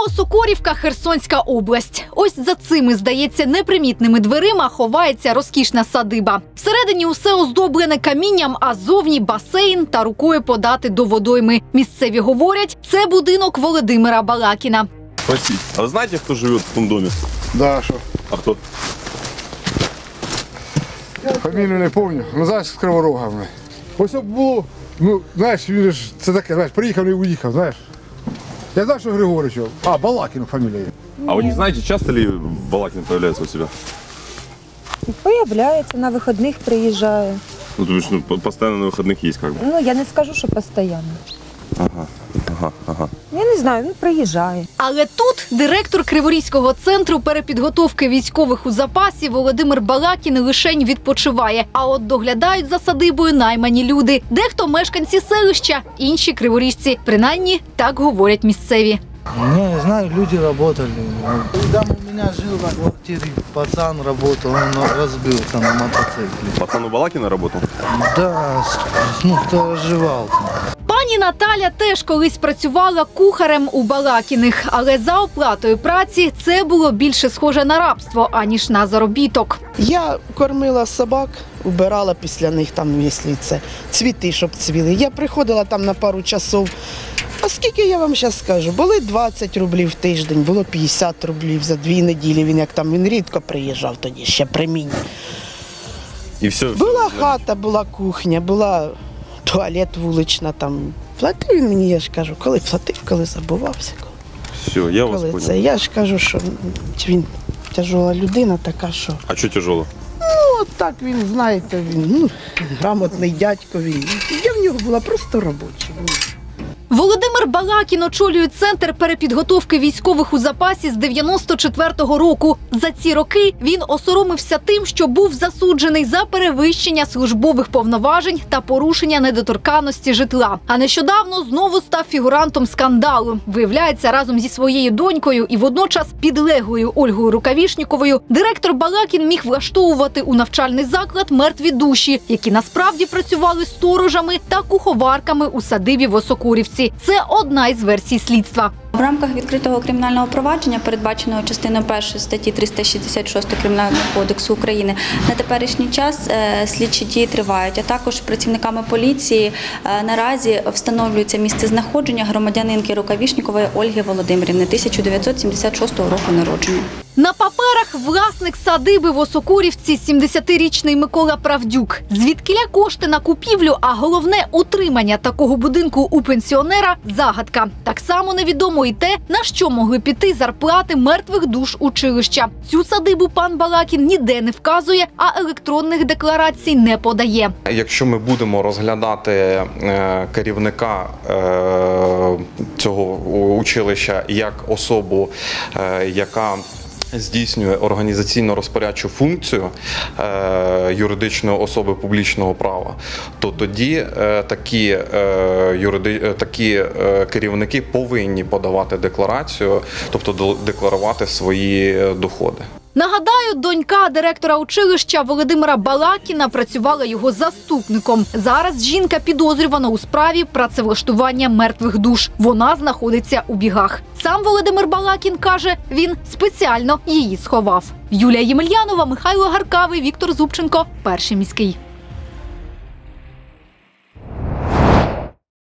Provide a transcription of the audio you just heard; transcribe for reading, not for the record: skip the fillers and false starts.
Новосокорівка, Херсонська область. Ось за цими, здається, непримітними дверима ховається розкішна садиба. Всередині усе оздоблене камінням, а зовні басейн та рукою подати до водойми. Місцеві говорять, це будинок Володимира Балакіна. Спросить, а вы знаете, кто живет в том доме? Да, що? А кто? Фамілію не пам'ятаю, ну знаєш, з Криворога. Ось було, ну, знаєш, він ж, це таке, знаєш, приїхав і уїхав, знаєш. Я знаю, що Григорич, Балакін фамілія. А вы не знаете, часто ли Балакин появляется у себя? Появляется, на выходных приезжаю. Ну, то есть, постоянно на выходных есть как бы. Ну, я не скажу, що постійно. Ага. Я не знаю, він приїжджає. Але тут директор Криворізького центру перепідготовки військових у запасі Володимир Балакін лишень відпочиває. А от доглядають за садибою наймані люди. Дехто мешканці селища, інші криворіжці. Принаймні, так говорять місцеві. Не знаю, люди работали. Там у меня жил на квартире пацан работал, он разбился на мотоцикле. Пацан у Балакина работал? Да, ну кто оживал. Пані Наталя теж колись працювала кухарем у Балакіних, але за оплатою праці це було більше схоже на рабство, аніж на заробіток. Я кормила собак, убирала після них, там, якщо це цвіти, щоб цвіли. Я приходила там на пару часов. А скільки я вам зараз скажу? Були 20 рублів в тиждень, було 50 рублів за 2 неділі. Він рідко приїжджав тоді, ще при мені. И все. Була хата, була кухня, була туалет вулична там. Платив він мені, я ж кажу, коли платив, коли забувався. Все, я вас Коли понял. це. Я ж кажу, що він тяжела людина така, що... А что тяжело? Ну, от так він, знаєте, він грамотний дядько. Я в нього була просто робоча. Володимир Балакін очолює центр перепідготовки військових у запасі з 94-го року. За ці роки він осоромився тим, що був засуджений за перевищення службових повноважень та порушення недоторканності житла. А нещодавно знову став фігурантом скандалу. Виявляється, разом зі своєю донькою і водночас підлеглою Ольгою Рукавішніковою директор Балакін міг влаштовувати у навчальний заклад мертві душі, які насправді працювали сторожами та куховарками у садибі в Осокорівці. Це одна із версій слідства. В рамках відкритого кримінального провадження, передбаченого частиною 1 статті 366 Кримінального кодексу України, на теперішній час слідчі дії тривають, а також працівниками поліції наразі встановлюється місцезнаходження громадянинки Рукавішнікової Ольги Володимирівни, 1976 року народження. На паперах власник садиби в Осокорівці 70-річний Микола Правдюк. Звідкиля кошти на купівлю, а головне – утримання такого будинку у пенсіонера – загадка. Так само невідомо і те, на що могли піти зарплати мертвих душ училища. Цю садибу пан Балакін ніде не вказує, а електронних декларацій не подає. Якщо ми будемо розглядати керівника цього училища як особу, яка здійснює організаційно-розпорядчу функцію юридичної особи публічного права, то тоді такі керівники повинні подавати декларацію, тобто декларувати свої доходи. Нагадаю, донька директора училища Володимира Балакіна працювала його заступником. Зараз жінка підозрювана у справі працевлаштування мертвих душ. Вона знаходиться у бігах. Сам Володимир Балакін каже, він спеціально її сховав. Юлія Ємельянова, Михайло Гаркавий, Віктор Зубченко, Перший міський.